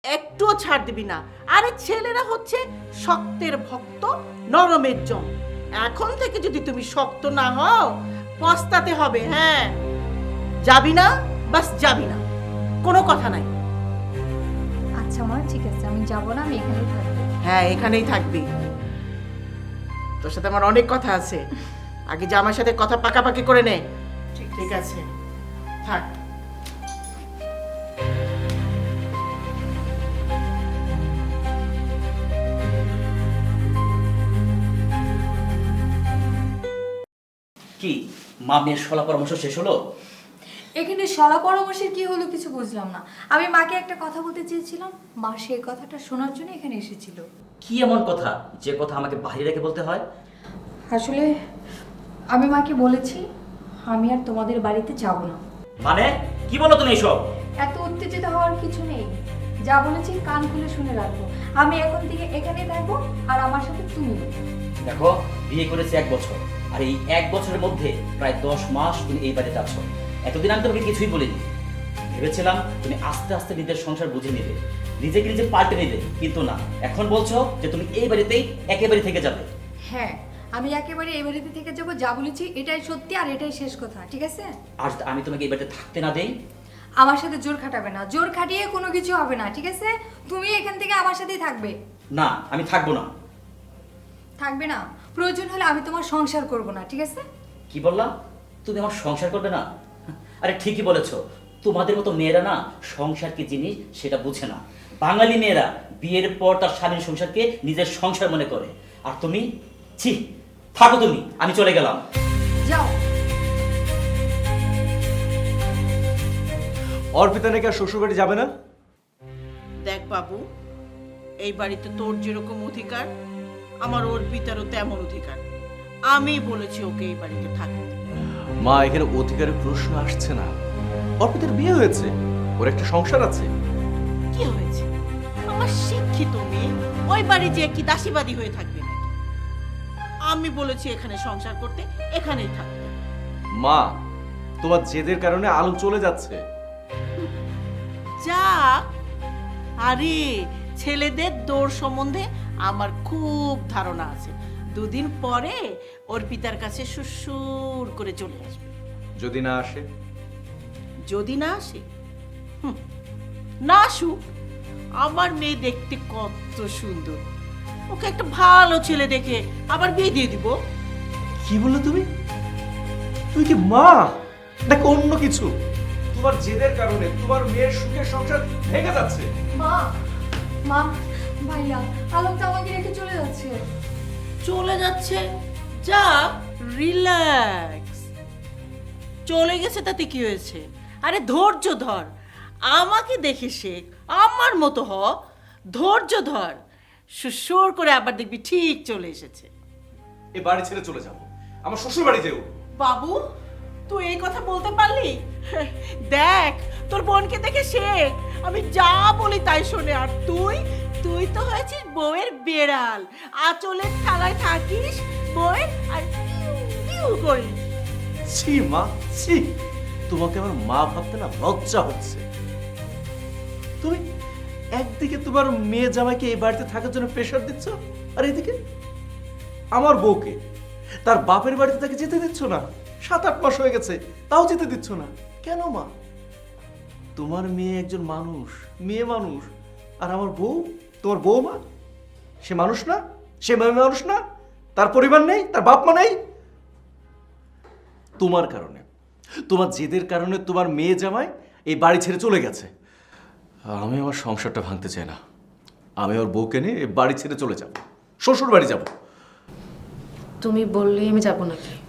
একটুও ছাড় দিবি না। আরে ছেলেরা হচ্ছে শক্তের ভক্ত, নরমের জম। এখন থেকে যদি তুমি শক্ত না হও পস্তাতে হবে। হ্যাঁ, যাবি না, বাস যাবি না, কোনো কথা নাই। আচ্ছা মা, ঠিক আছে, আমি যাব না, আমি এখানেই থাকবো। হ্যাঁ, এখানেই থাকবি। তোর সাথে আমার অনেক কথা আছে, আগে জামার সাথে কথা পাকাপাকি করে নে। ঠিক আছে, থাক। কি মা মেয়ের সলা পরামর্শ শেষ হলো? এখানে সলা পরামর্শের কি হলো কিছু বুঝলাম না। আমি মাকে একটা কথা বলতে চেয়েছিলাম, মা সেই কথাটা শোনার জন্য এখানে এসেছিল। কি এমন কথা যে কথা আমাকে বাইরে রেখে বলতে হয়? আসলে আমি মাকে বলেছি আমি আর তোমাদের বাড়িতে যাব না। মানে কি বলো তুমি এসব? এত উত্তেজিত হওয়ার কিছু নেই, যা বলেছি কান খুলে শুনে রাখবো। আমি এখন থেকে এখানেই থাকবো, আর আমার সাথে তুমি। দেখো, বিয়ে করেছি 1 বছর, আর এই 1 বছরের মধ্যে প্রায় 10 মাস তুমি এই বাড়িতে আছো। এতদিন আমি তোমাকে কিছুই বলিনি। ভেবেছিলাম তুমি আস্তে আস্তে নিজের সংসার বুঝে নিবে, নিজেকে নিজে পাল্টে নিবে, কিন্তু না, এখন বলছো যে তুমি এই বাড়িতেই একেবারে থেকে যাবে। হ্যাঁ, আমি একেবারে এই বাড়িতে থেকে যাবো, যা বলেছি এটাই সত্যি আর এটাই শেষ কথা, ঠিক আছে? আর যদি আমি তোমাকে এই বাড়িতে থাকতে না দেই? আমার সাথে জোর খাটাবে না, জোর খাটিয়ে কোনো কিছু হবে না, ঠিক আছে? তুমি এখান থেকে আমার সাথেই থাকবে। না, আমি থাকবো না। থাকবে না? প্রয়োজন হলে আমি তোমার সংসার করব না, ঠিক আছে? কি বললা? তুমি আমার সংসার করবে না? আরে ঠিকই বলেছো, তোমাদের মতো মেয়েরা না সংসার কি জিনিস সেটা বুঝে না। বাঙালি মেয়েরা বিয়ের পর তার স্বামীর সংসারকে নিজের সংসার মনে করে। আর তুমি, ছি, থাকো তুমি, আমি চলে গেলাম। যাও। অর্পিতা নাকি আর শ্বশুরবাড়ি যাবে না? দেখ বাবু, এই বাড়িতে তোর যেরকম অধিকার, আমার অর্পিতারও তেমন অধিকার। আমি বলেছি ওকে এই বাড়িতে থাকতে। মা, এখানে অধিকারের প্রশ্ন আসছে না। অর্পিতার বিয়ে হয়েছে, ওর একটা সংসার আছে। কি হয়েছে? আমার শিক্ষিত মেয়ে ওই বাড়ি যে কি দাসীবাদী হয়ে থাকবে নাকি? আমি বলেছি এখানে সংসার করতে, এখানেই থাকতে। মা, তোমার জেদের কারণে আলো চলে যাচ্ছে। যাক, আরে ছেলেদের দৌড় সম্বন্ধে আমার খুব ধারণা আছে। 2 দিন পরে অর্পিতার কাছে সুসুর করে চলে আসবে। যদি না আসে? যদি না আসে, না আসুক। আমার মেয়ে দেখতে কত সুন্দর, ওকে একটা ভালো ছেলে দেখে আবার বিয়ে দিয়ে দিব। কি বললে তুমি? তুই কি মা নাকি অন্য কিছু? তোমার জেদের কারণে তোমার মেয়ের সুখের সংসার ভেঙে যাচ্ছে। মা, মা, ভাইয়া, আলোক তো আমাকে রেখে চলে যাচ্ছে। চলে যাচ্ছে? যা, রিল্যাক্স। চলে গেছে তাতে কি হয়েছে? আরে ধৈর্য ধর, আমাকে দেখে শেখ, আমার মতো হ। ধৈর্য ধর, সুসুর করে আবার দেখবি ঠিক চলে এসেছে। এই বাড়ি ছেড়ে চলে যাবো, আমার শ্বশুর বাড়ি যেও। বাবু, তুই এই কথা বলতে পারলি? দেখ, তোর বোনকে দেখে শেখ, আমি যা বলি তাই শোনে। আর তুই তুই তো হয়েছিস বউয়ের বেড়াল, আঁচলের থালায় থাকিস বউয়ের আর পিউ পিউ করিস। ছি মা, ছি, তোমাকে আমার মা ভাবতে না লজ্জা হচ্ছে। তুমি একদিকে তোমার মেয়ে জামাইকে এই বাড়িতে থাকার জন্য প্রেশার দিচ্ছ, আর এদিকে আমার বউকে তার বাপের বাড়িতে তাকে যেতে দিচ্ছ না। 7-8 মাস হয়ে গেছে, তাও যেতে দিচ্ছ না কেন মা? তোমার মেয়ে একজন মানুষ, মেয়ে মানুষ, আর আমার বউ, তোমার বউমা, সে মানুষ না? সে মানুষ না? তার পরিবার নেই, তার বাপ মা নেই? তোমার কারণে, তোমার জেদের কারণে তোমার মেয়ে জামাই এই বাড়ি ছেড়ে চলে গেছে। আমি আমার সংসারটা ভাঙতে চাই না। আমি ওর বউকে নিয়ে এই বাড়ি ছেড়ে চলে যাব, শ্বশুর বাড়ি যাব। তুমি বললেই আমি যাব নাকি?